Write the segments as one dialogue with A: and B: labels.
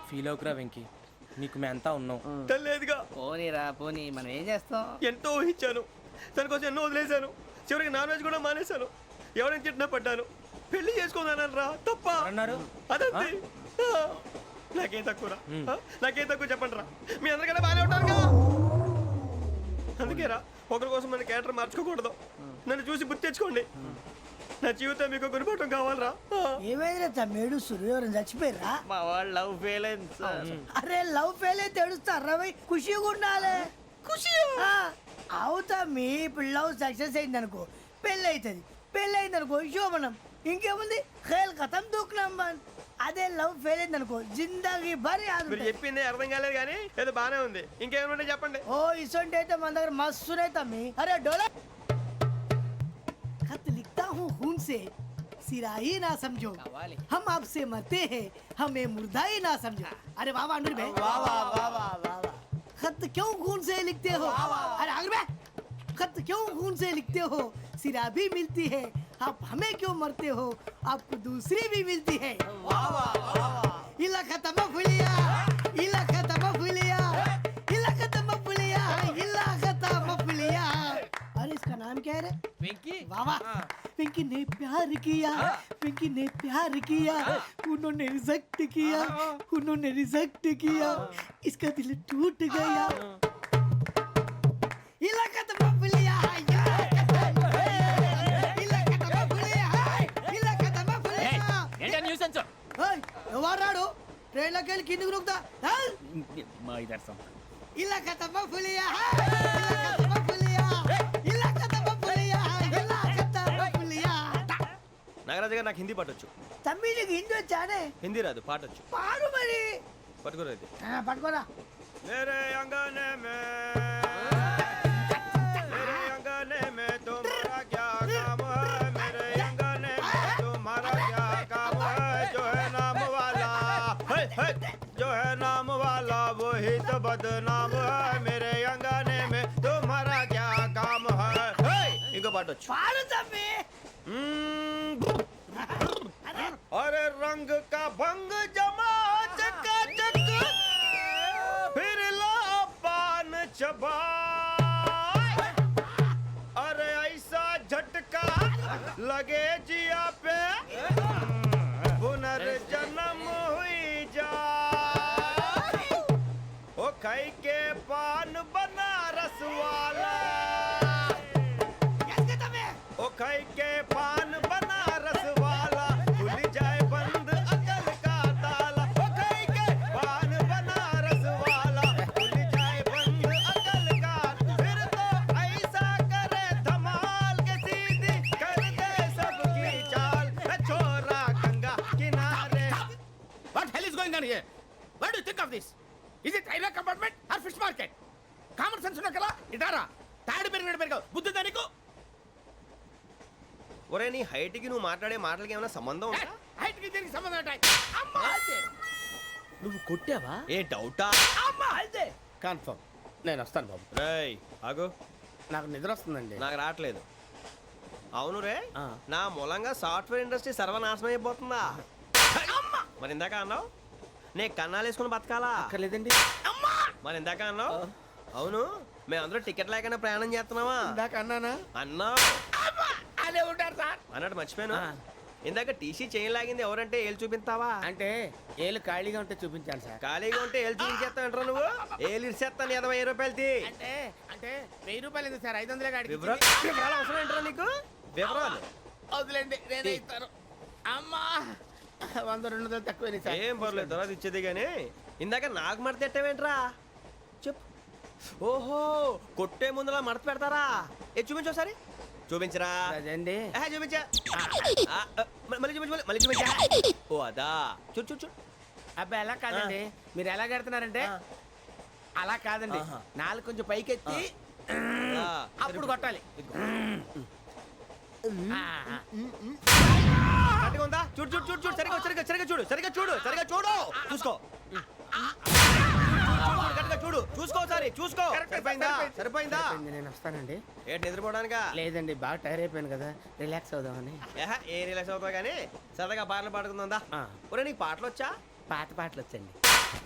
A: Feel అవుకురా Venky, నీకు మేమంతా ఉన్నాం.
B: తెలియదుగా.
C: పోనీరా పోనీ, మనం ఏం చేస్తాం?
B: ఎంతో ఊహించాను, దానికోసం ఎన్నో వదిలేశాను. చివరికి నాన్ వెజ్ కూడా మానేశాను. ఎవరైనా తిట్టినా పడ్డాను. పెళ్లి చేసుకుందానని రా తప్ప
A: అన్నారు.
B: అదంతే. నాకేం తక్కువరా? నాకేం తక్కువ చెప్పండి రా. మీ అందరికన్నా బాగానే ఉంటారుగా. అందుకే రా, ఒకరి కోసం మన క్యారెక్టర్ మార్చుకోకూడదు. నన్ను చూసి గుర్తు తెచ్చుకోండి. నా జీవితం మీకు గురిపటం కావాలరా.
D: ఏమైనా తమ్మేడు సురవరం చచ్చిపోయిరా?
C: మా వాళ్ళు లవ్ ఫెయిల్ అయింది సార్.
D: అరే లవ్ ఫెయిల్ అయితే ఏడుస్తారా? ఖుషిగా ఉండాలి. ఖుషి అవుతా. మీ ఇప్పుడు లవ్ సక్సెస్ అయింది అనుకో, పెళ్ళి అవుతుంది. పెళ్ళి అయింది అనుకో శోభనం. ఇంకేముంది, ఖేల్ కథం దూకునాం బాన్. అదే లవ్ ఫెయిల్ అయింది అనుకో, జిందాగీ భారీ.
B: మీరు చెప్పింది అర్థం కాలేదు కానీ ఏదో బానే ఉంది. ఇంకేమైనా చెప్పండి.
D: ఓ ఇసొంటి అయితే మన దగ్గర మస్తునే తమ్మి. అరే డోలా खत लिखता हूँ खून से, सिरा ही ना समझो. हम आपसे मरते हैं, हमें मुर्दा ही ना समझो. अरे वाह वाह अनुर भाई, वाह वाह वाह वाह वाह. खत क्यों खून से लिखते हो? अरे अनुर भाई, खत क्यों खून से लिखते हो? सिरा भी मिलती है, आप हमें क्यों मरते हो? आपको दूसरी भी मिलती है. वाह वाह वाह. इला खत्म फुलिया, इला खत्म फुलिया, इला खत्म फुलिया, इला खत्म फुलिया. अरे इसका नाम क्या है रे?
A: వెంకీ
D: वाह पिंकी ने प्यार किया, पिंकी ने प्यार किया, उन्होंने रिजेक्ट किया, उन्होंने रिजेक्ट किया, इसका दिल टूट गया. इलाका तो बबलिया, इलाका तो बबलिया, इलाका तो बबलिया.
C: ఏంటా న్యూసెన్స్?
D: ओए ఎవరాడు ట్రైన్ లోకి వెళ్ళి కిందికి రుకుతా?
C: మా ఇదర్సం.
D: ఇలాకా तो बबलिया, इलाका तो बबलिया, इलाका तो बबलिया, इलाका तो बबलिया.
B: నాగరాజు గారు నాకు హిందీ పాటొచ్చు.
D: తమ్మి నీకు హిందీ వచ్చానే?
B: హిందీ రాదు, పాటొచ్చు.
D: పాడు మరి.
B: పట్టుకోలేదు.
D: పట్టుకోరా.
B: मेरे अंगने में, मेरे अंगने में तुम्हारा क्या काम है? मेरे अंगने में तुम्हारा क्या काम है? जो है नाम वाला, जो है नाम वाला वही तो बदनाम है. मेरे अंगने में तुम्हारा क्या काम है? इनको पाटोచ్చు.
D: పాడు తమ్మి.
B: अरे रंग का भंग जमा चकाचक, फिर ला पान चबा. अरे ऐसा झटका लगे जिया पे, पुनर्जन्म हुई जा. ओ खाई के पान बनारस वाला, ओ खाई के पान बनारस वाला, खुल जाए बंद अकल का ताला. ओ खाई के पान बनारस वाला, खुल जाए बंद अकल का. फिर तो ऐसा करे धमाल के सीधी कर दे सबकी चाल. छोरा गंगा किनारे.
E: What hell is going on here? What do you think of this? Is it railway compartment or fish market? Common sense ఉన్నా కదా ఇటారా. తాడు పెరిగినట్టు పెరిగావు. బుద్ధి దానికి.
B: ఒరే నీ హైట్ కి నువ్వు మాట్లాడే మాటలకి ఏమైనా సంబంధం ఉందా?
E: హైట్ కి దీనికి సంబంధం ఉంటాయి. అమ్మా అదే.
C: నువ్వు కొట్టావా?
B: ఏ డౌటా?
E: అమ్మా అదే. కన్ఫర్మ్. నేను వస్తాను బాబు.
B: రేయ్ ఆగు.
E: నాకు నిద్ర వస్తుందండి.
B: నాకు రావట్లేదు. అవును రే, నా మూలంగా సాఫ్ట్వేర్ ఇండస్ట్రీ సర్వనాశనం అయిపోతుందా? మరి ఇందాక అన్నావు నే కన్నాలు వేసుకుని బతకాలా?
C: అక్కర్లేదండి.
B: మరి ఇందాక అన్నావు అవును మేమందరూ టికెట్ లేకుండా ప్రయాణం చేస్తున్నావా?
E: ఇందాక అన్నానా?
B: అన్నావు.
E: అదే ఉంటారు సార్.
B: అన్నట్టు మర్చిపోయాను. ఇందాక టీసీ చైన్ లాగింది ఎవరంటే ఏళ్ళు చూపిస్తావా?
E: అంటే ఏళ్ళు ఖాళీగా ఉంటే చూపించాను సార్.
B: ఖాళీగా ఉంటే ఏళ్ళు చూపించేస్తానంటారా నువ్వు? ఏళ్ళు ఇచ్చేస్తాను 20 రూపాయలది.
E: అంటే అంటే 1000 రూపాయలు ఎందుకు సార్? 500 కాడికి
B: వివరాలు అవసరం ఏంటరా నీకు? వివరాలు
E: వదిలేండి, నేనే ఇస్తాను. అమ్మా 100-200 తక్కువ సార్.
B: ఏం పర్లేదు, తర్వాత ఇచ్చేది కానీ ఇందాక నాకు మడత పెట్టావేంట్రా? చెప్పు. ఓహో, కొట్టే ముందులా మడత పెడతారా? ఏ చూపించు ఒకసారి. చూపించరా?
E: అదండి.
B: చూపించా. మళ్ళీ చూపించు, మళ్ళీ చూపించా. ఓ అదా, చూడు చూడు చూడు.
E: అబ్బాయి ఎలా కాదండి, మీరు ఎలా కడుతున్నారంటే అలా కాదండి. నాలుగు కొంచెం పైకెత్తి అప్పుడు కొట్టాలి.
B: కరెక్ట్గా ఉందా? చూడు చూడు చూడు చూడు. సరిగా సరిగా సరిగా చూడు, సరిగా చూడు, సరిగా చూడు. చూసుకో, కరెక్ట్గా చూడు. చూసుకో ఒకసారి, చూసుకో. సరిపోయిందా? సరిపోయిందా?
E: నేను వస్తానండి.
B: ఏంటి నిద్రపోవడానికా?
E: లేదండి, బాగా టైర్ అయిపోయాను కదా, రిలాక్స్ అవుదామని.
B: ఏ రిలాక్స్ అవుతావు కానీ సరదాగా పాటలు పాడుకుందా? ఒరే నీకు పాటలు వచ్చా?
E: పాత పాటలు వచ్చండి.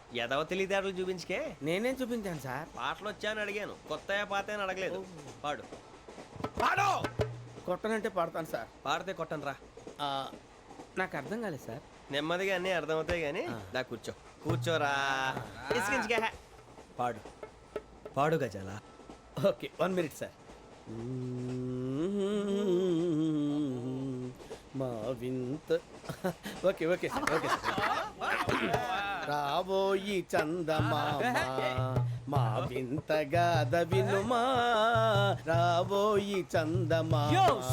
B: ఎదవ తెలివితేటలు చూపించుకే.
E: నేనేం చూపించాను సార్?
B: పాటలు వచ్చాయని అడిగాను, కొత్త పాత అని అడగలేదు. పాడు.
E: పాడు. కొట్టనంటే పాడతాను సార్.
B: పాడితే కొట్టను రా.
E: నాకు అర్థం కాలేదు సార్.
B: నెమ్మదిగా అన్నీ అర్థమవుతాయి కానీ దా కూర్చో. కూర్చోరా. ఇసుకించుకే. పాడు. పాడు గజాల.
E: Okay 1 minute sir. మా వింత okay okay sir okay sir. రాబోయి చందమామ మా వింత గాథ వినుమా, రాబోయి చందమామ.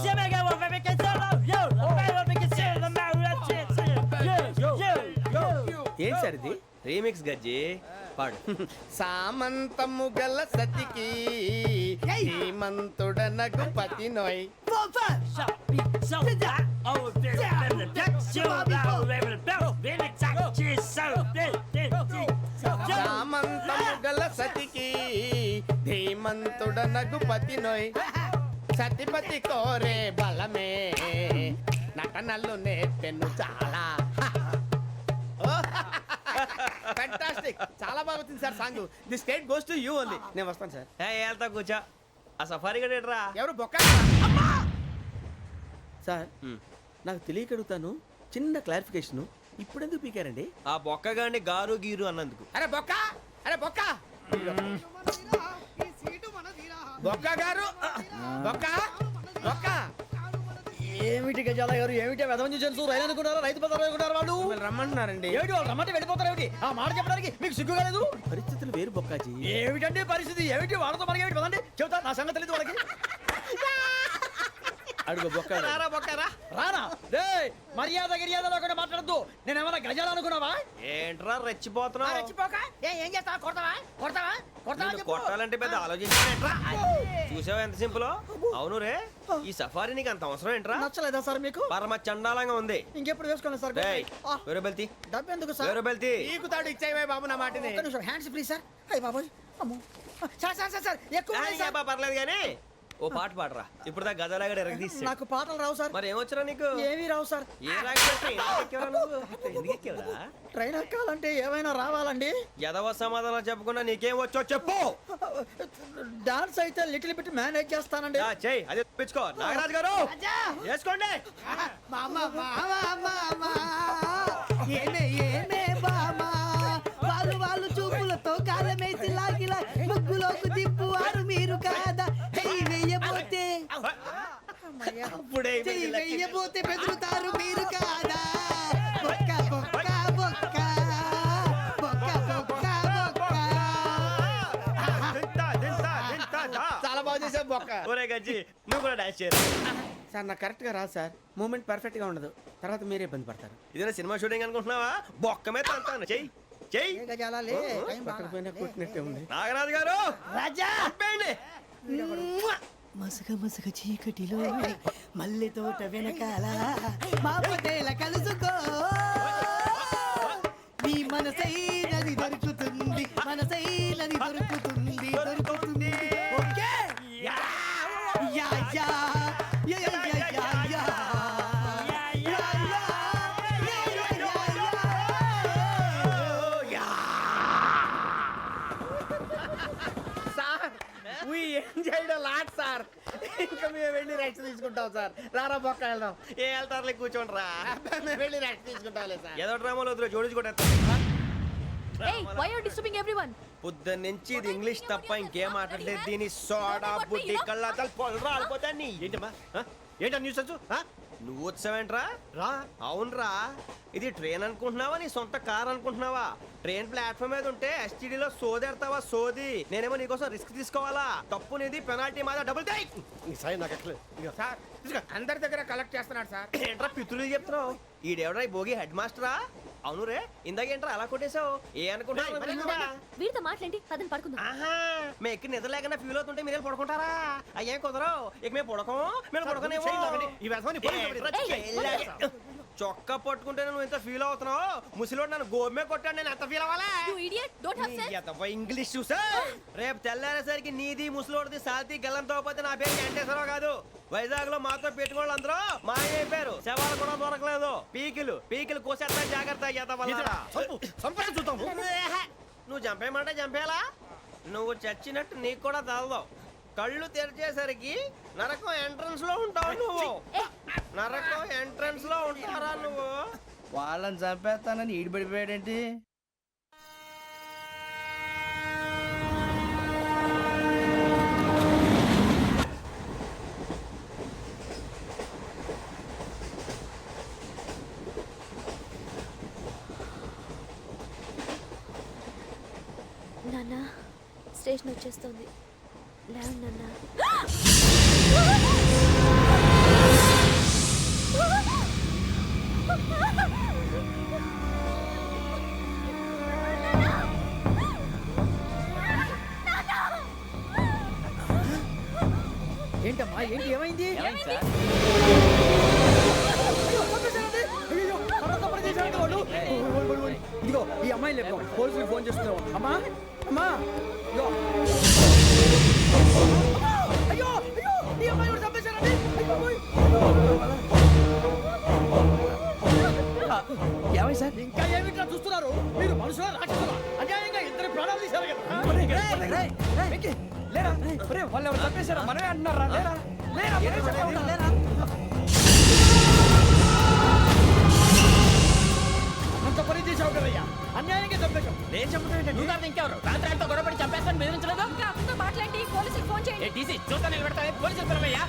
E: ఏం సార్ ఇది?
B: రీమిక్స్ గజ్జి. పాడు.
E: సామంతము గల సతికి హేమంతుడనగు పతి నోయ్. సామంతము గల సతికి ధీమంతుడనగు పతి నోయ్. సతిపతి కోరే బలమే నటనలు నేర్పెను చాలా. ఫ్యాంటాస్టిక్, చాలా బాగా వచ్చింది sir song. The state goes to you only. నేను వస్తాను సార్.
B: వెళ్తా కూర్చో. ఆ సఫారీ గడేట్రా.
E: ఎవరు బొక్క సార్? నాకు తెలియక అడుగుతాను, చిన్న క్లారిఫికేషన్. ఇప్పుడు ఎందుకు పీకారండి?
B: ఆ బొక్కగాండి గారు గీరు అన్నందుకు.
E: అరే బొక్క, అరే బొక్క, బొక్క గారు, బొక్క బొక్క.
C: ఏమిటి గజాల గారు, ఏమిటి వెదవం చూసాను రైలు అనుకున్నారా, రైతు బజార్ అనుకున్నారు వాళ్ళు?
E: రమ్మంటున్నారండి.
C: ఏమిటి వాళ్ళు రమ్మంటే వెళ్ళిపోతారు ఏమిటి? ఆ మాట చెప్పడానికి మీకు సిగ్గు కాలేదు?
E: పరిస్థితులు వేరు బొక్కాజీ.
C: ఏమిటండి పరిస్థితి? ఏమిటి వాళ్ళతో మనకి ఏమిటి పదండి చెబుతా, నా సంగతి తెలియదు వాళ్ళకి.
E: అడుగు బొక్క.
B: రారా బొక్కరా.
C: రానా రే, మర్యాద గిర్యాద లేకుండా మాట్లాడద్దు. నేను ఏమన్నా గజాలు అనుకున్నావా?
B: ఏంట్రా రెచ్చిపోతున్నావు?
C: ఏం చేస్తావా? కొడతావా కొడతావా కొడతావా
B: నిన్ను కొట్టాలంటే పెద్ద ఆలోచించానేంట్రా. చూసావా ఎంత సింపుల్. అవును రే, ఈ సఫారీ నీకు అంత అవసరం ఏంట్రా?
C: నచ్చలేదా సార్ మీకు?
B: పరమ చండాలంగా ఉంది.
C: ఇంకెప్పుడు వేసుకోండి సార్.
B: డేయ్, వేరే బెల్తి.
C: డబ్బు ఎందుకు సార్?
B: వేరే బెల్తి.
E: నీకు తాడు ఇచ్చాయి బాబు నా మాటని.
C: ఒక్క నిమిషం, హ్యాండ్స్ ఫ్రీ సార్. అయ్య బాబోయ్, అమ్మో. సార్ సార్ సార్ సార్ ఎక్కువ ఉన్నాయి సార్.
B: పర్లేదు కానీ ఓ పాట పాడరా. ఇప్పుడు దా గదలాగడ ఎరగదీసి.
C: నాకు పాటలు రావు సార్.
B: మరి ఏమొచ్చరా నీకు?
C: ఏమీ రావు సార్.
B: ఏ రాకపోతే ఎందుకు ఎక్కేవరా?
C: ట్రైన్ ఎక్కాలంటే ఏమైనా రావాలండి.
B: ఎదవ సమాధానం చెప్పకుండా నీకేం వచ్చో చెప్పు.
C: డాన్స్ అయితే లిటిల్ బిట్ మేనేజ్ చేస్తానండి.
B: చెయ్యి, అదే తెప్పించుకో. నాగరాజు గారు చేసుకోండి.
D: మామ ఏమే ఏమే బామా, వాళ్ళు చూపులతో కాలమేసి లాగిలా ముగ్గులోకి తిప్పువారు మీరు కాదా? చెయ్యి వెయ్యబోతే
B: అప్పుడే
D: చెయ్యి వెయ్యబోతే బెదురుతారు మీరు కాదా? బొక్క బొక్క బొక్క బొక్క బొక్క బొక్క.
E: చాలా బాగా చేసావు బొక్క.
B: ఒరే గజ్జి, నువ్వు కూడా డాన్స్ చేయరు.
E: సార్ నాకు కరెక్ట్ గా రాదు సార్. మూమెంట్ పర్ఫెక్ట్ గా ఉండదు, తర్వాత మీరే ఇబ్బంది పడతారు.
B: ఇదేనా సినిమా షూటింగ్ అనుకుంటున్నావా? బొక్క మీద అంటాను. చెయ్యి చెయ్యి.
E: పట్టకపోయినా కొట్టినట్టే ఉంది.
B: నాగరాజు గారు
D: రాజా
B: చెప్పండి.
D: మసక మసక చీకటిలో మల్లె తోట వెనకాల మా పటేల కలుసుకో, నీ మనసైనది దొరుకుతుంది, మనసైనది దొరుకుతుంది దొరుకుతుంది. Okay yeah yeah yeah yeah yeah yeah yeah.
E: Sir we enjoyed a lot sir. ఇంకా మేము వెళ్ళి రెస్ట్ తీసుకుంటాం సార్. రారా బొక్క వెళ్దాం.
B: ఏ వెళ్తారులే, కూర్చోండి రా.
E: మేము వెళ్ళి రెస్ట్ తీసుకుంటాంలే సార్.
B: ఏదో డ్రామాలో వద్దులే, జోడించుకుంటా.
F: Hey, why are you disturbing everyone?
B: పొద్దున్న నుంచి ఇది ఇంగ్లీష్ తప్ప ఇంకేం మాట్లాడలేదు. దీని సోడా బుద్ధి కళ్ళ పొలు రాలిపోతా. నీ ఏంటమ్మా ఏంటా న్యూస్ నువ్వు వచ్చావేంట్రా? రా. అవునరా, ఇది ట్రైన్ అనుకుంటున్నావా నీ సొంత కార్ అనుకుంటున్నావా? ట్రైన్ ప్లాట్ఫామ్ మీద ఉంటే ఎస్టీడీలో సోదేడతావా సోది. నేనేమో నీకోసం రిస్క్ తీసుకోవాలా? తప్పు నీది, పెనాల్టీ మాదా, డబుల్ టై. సాయి నాకు ఎక్కలేదు
E: సార్ అందరి దగ్గర కలెక్ట్ చేస్తున్నాడు సార్.
B: ఏంట్రా పితులు చెప్తున్నావు? ఈడెవడ్రా ఈ భోగి హెడ్ మాస్టరా? అవును రే, ఇందాకేంట్రా అలా కొట్టేశావు? ఏ అనుకుంటున్నావు?
F: వీరితో మాట్లాడి పదని పడుకుందాం.
B: ఆహా, మేము ఎక్కి నిద్ర లేకుండా ఫీల్ అవుతుంటే మీరు పడుకుంటారా? అయ్యేం కుదరవు. ఇక మేము పడకం, మేము పడుకునేమో. చొక్కా పట్టుకుంటే నువ్వు ఎంత ఫీల్ అవుతున్నావు, ముసలివాడు నన్ను గోమే కొట్టాడు, నేను ఎంత ఫీల్ అవ్వాలా?
F: You idiot! Don't have sense!
B: English చూసా రేపు తెల్లారేసరికి నీది ముసలోడిది సాతి గల్లంతో పోతే నా పేరు వెంకటేశ్వరరావు కాదు. వైజాగ్ లో మాతో పెట్టుకోళ్ళు అందరూ మాయైపోయారు, శవాలు కూడా దొరకలేదు. పీకిలు కోసేస్తా జాగ్రత్త. నువ్వు చంపేయమంటే చంపేలా? నువ్వు చచ్చినట్టు నీకు కూడా తగదు. కళ్ళు తెరిచేసరికి నరకం ఎంట్రన్స్ లో ఉంటావు నువ్వు. నరకం ఎంట్రన్స్ లో ఉంటారా నువ్వు?
C: వాళ్ళని చంపేస్తానని ఈడిపడిపోయాడేంటి?
F: నాన్న స్టేషన్ వచ్చేస్తుంది, లేవండి నాన్న.
C: ఏంటమ్మా ఏంటి ఏమైంది? ఇదిగో ఈ అమ్మాయి లేదు, పోలీసులకు ఫోన్ చేస్తున్నావు. అమ్మా అమ్మా ఇదిగో. అయ్యో అయ్యో ఈ అమ్మాయి కూడా చంపేశారండి. ఏమై సార్? ఇంకా ఏమిట్లా చూస్తున్నారు మీరు? మనుషుల రాక్షసులా? అన్యాయంగా ఇద్దరు ప్రాణాలు తీశారు కదా. లేరా వాళ్ళు ఎవరు చంపేశారా? మనమే అంటున్నారా? లేరా లేరా అంత పని చేసావు కదయ్యా, అన్యాయంగా చంపేశావు. నేను చంపడం నువ్వు కాదు ఇంకెవరు? రాత్రి గొడవపడి చంపేస్తాను బెదిరించలేదు.
F: ఇంకా అతనితో మాట్లాడి పోలీసులకు ఫోన్ చేయండి.
E: టీసీ చూస్తా నిలబెడతా పోలీసులు పిలవయ్యా.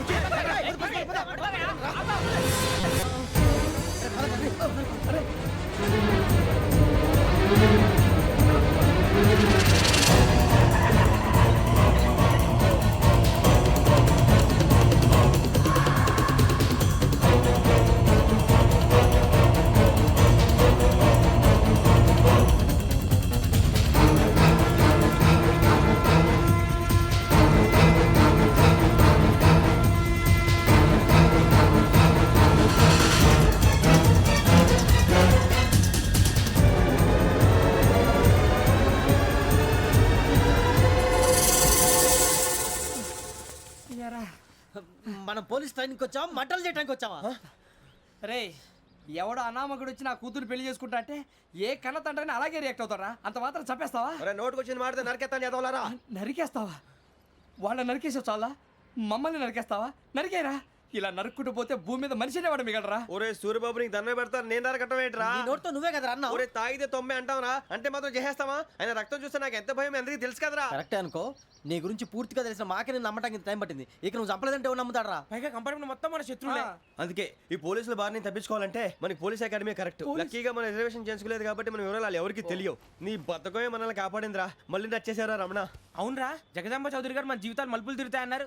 C: మనం పోలీస్ ట్రైనింగ్కి వచ్చావా, మంటలు చేయడానికి వచ్చావా?
G: రే ఎవడో అనామకుడు వచ్చి నా కూతురు పెళ్లి చేసుకుంటా అంటే ఏ కన్న తండ్రిని అలాగే రియాక్ట్ అవుతారా? అంత మాత్రం చంపేస్తావా?
B: నోటుకు వచ్చింది మాడితే నరకెత్తాను చదవాలరా.
G: నరికేస్తావా? వాళ్ళని నరికేసావు చాలా, మమ్మల్ని నరికేస్తావా? నరికేరా. ఇలా నరుక్కుంటూ పోతే భూమి మీద మనిషినే వాడు మిగలరా.
B: ఒరే సూర్యబాబు నీకు దండం పెడతాను, నేను నరకటం ఏంట్రా?
C: నోట్తో నువ్వే కదా అన్నా.
B: ఒరే తాగితే తొమ్మే అంటావురా, అంటే మాత్రం చేసేస్తావా? ఆయన రక్తం చూస్తే నాకు ఎంత భయం అందరికీ తెలుసు కదరా.
C: కరెక్టే అనుకో, నీ గురించి పూర్తిగా తెలిసిన మాకే నేను నమ్మటానికి టైం పట్టింది. ఇక నువ్వు చంపలేదంటే ఎవరు నమ్ముతాడరా?
A: పైగా కంపార్ట్మెంట్ మొత్తం మన శత్రువులే.
B: అందుకే ఈ పోలీసుల బారిని తప్పించుకోవాలంటే మనకి పోలీస్ అకాడమీ కరెక్ట్. లక్కీగా మనం రిజర్వేషన్ చేసుకోలేదు కాబట్టి మనం వివరాలు ఎవరికి తెలియవు. నీ బతకమే మనల్ని కాపాడిందిరా. మళ్ళీ నచ్చేసారా రమణ?
A: అవునరా, జగదాంబ చౌదరి గారు మన జీవితాలు మలుపులు తిరుగుతాయన్నారు.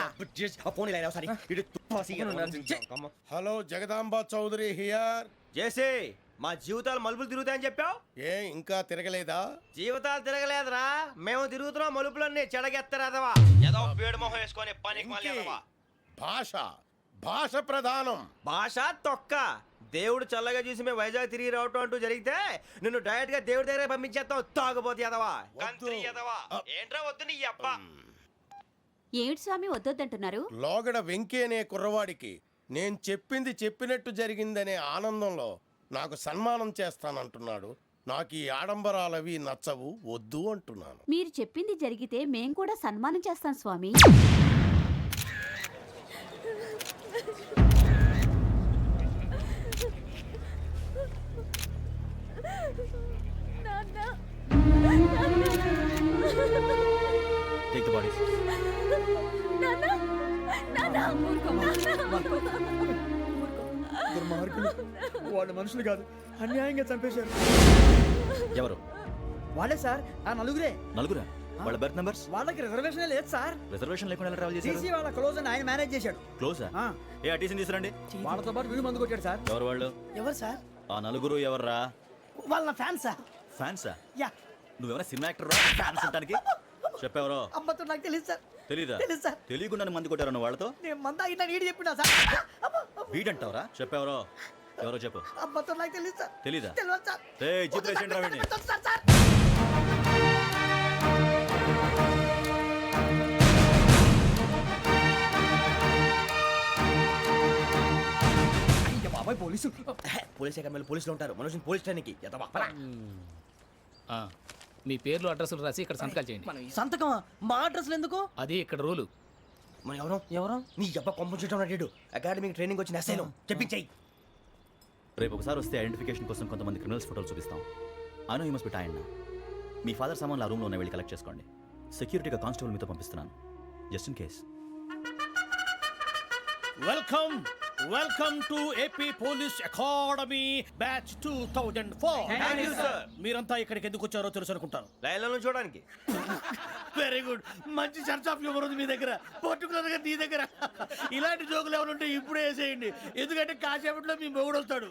H: Hello Jagadamba Chowdary here.
B: చేసే మా జీవితాలు మలుపులు తిరుగుతాయని చెప్పావు.
H: ఏ ఇంకా తిరగలేదా?
B: జీవితాలు తిరగలేదురా, మేము తిరుగుతున్నాం మలుపులన్నీ. చెడగెత్తరాదవా ఏదో పేడు మొహం వేసుకొని పనికి మళ్ళీ
H: భాష భాష ప్రధానం.
B: భాష తొక్క. దేవుడు చల్లగా చూసి మేము వైజాగ్ తిరిగి రావటం అంటూ జరిగితే నిన్ను డైరెక్ట్ గా దేవుడి దగ్గర పంపించేస్తాం. తాగబోతు ఎదవా, కంత్రి ఎదవా. ఏంట్రా వద్దు నీ అప్ప.
F: ఏమిటి స్వామి వద్దొద్దంటున్నారు?
H: లోగడ వెంకీ అనే కుర్రవాడికి నేను చెప్పింది చెప్పినట్టు జరిగిందనే ఆనందంలో నాకు సన్మానం చేస్తానంటున్నాడు. నాకు ఈ ఆడంబరాలవి నచ్చవు, వద్దు అంటున్నాను.
F: మీరు చెప్పింది జరిగితే మేం కూడా సన్మానం చేస్తాం స్వామి.
B: Take the bodies.
C: దుర్మార్గులు, వాళ్ళు మనుషులు కాదు, అన్యాయంగా చంపేశారు.
I: ఎవరు?
C: వాళ్ళే సార్, ఆ నలుగురే.
I: నలుగురా? వాళ్ళ బర్త్ నంబర్స్?
C: వాళ్ళకి రిజర్వేషన్ లేదు సార్.
I: రిజర్వేషన్ లేకుండా ఎలా ట్రావెల్ చేశారు?
C: టీసీ వాళ్ళ క్లోజ్ అని ఆయన మేనేజ్ చేశాడు.
I: క్లోజా?
C: ఆ,
I: ఏ అటీసీని తీసురండి.
C: వాళ్ళతో పాటు వీడు మందు కొట్టాడు సార్.
I: ఎవరు వాళ్ళు?
D: ఎవరు సార్?
I: ఆ నలుగురు ఎవర్రా?
D: వాళ్ళ ఫ్యాన్ సార్.
I: ఫ్యాన్సా?
D: యా.
I: నువ్వేమైనా సినిమా యాక్టర్ ఫ్యాన్స్ అంటానికి? చెప్పెవరో?
D: అమ్మతో నాకు తెలియదు సార్.
I: తెలీదా?
D: తెలీదు సార్.
I: తెలియకుండా మంది కొట్టారు వాళ్ళతో?
D: నేను మంద అయినా నీడి చెప్పినా సార్.
I: వీడంటావరా? చెప్పెవరో? ఎవరో చెప్పు
D: అబ్బా तो నాకు తెలియదు సార్
I: తెలీదా
D: తెలియదు సార్
I: రేయ్, జీప్ రేసేయండి రా వీడిని.
D: సార్ సార్
G: అయ్య బాబాయ్ పోలీసు
A: పోలీస్ అకాడమీలో పోలీసులు ఉంటారు మనోజ్ పోలీస్ ట్రైనింగ్
C: మీ పేర్లు అడ్రస్లు రాసి ఇక్కడ సంతకాలు చేయండి
A: సంతకం మా అడ్రస్లు ఎందుకు
C: అది ఇక్కడ రూలు
A: మన ఎవరు నీ అబ్బా పంపించడం అడిగాడు అకాడమిక్ ట్రైనింగ్ వచ్చిన అసలు చెప్పించాయి.
I: రేపు ఒకసారి వస్తే ఐడెంటిఫికేషన్ కోసం కొంతమంది క్రిమినల్స్ ఫోటోలు చూపిస్తాం. I know you must be tired. మీ ఫాదర్ సామాన్లు ఆ రూమ్లో ఉన్న వెళ్ళి కలెక్ట్ చేసుకోండి. సెక్యూరిటీగా కానిస్టేబుల్ మీతో పంపిస్తున్నాను just in case.
E: Welcome to AP police academy batch 2004. మీరంతా ఇక్కడికి ఎందుకు వచ్చారో తెలుసు అనుకుంటాను.
B: లైన్లను చూడడానికి.
E: వెరీ గుడ్, మంచి సెన్స్ ఆఫ్ హ్యూమర్ ఉంది మీ దగ్గర, పర్టికులర్ గా నీ దగ్గర. ఇలాంటి జోకులు ఏమైనా ఉంటే ఇప్పుడే వేసేయండి, ఎందుకంటే కాసేపట్లో మీ మొగుడు వస్తాడు.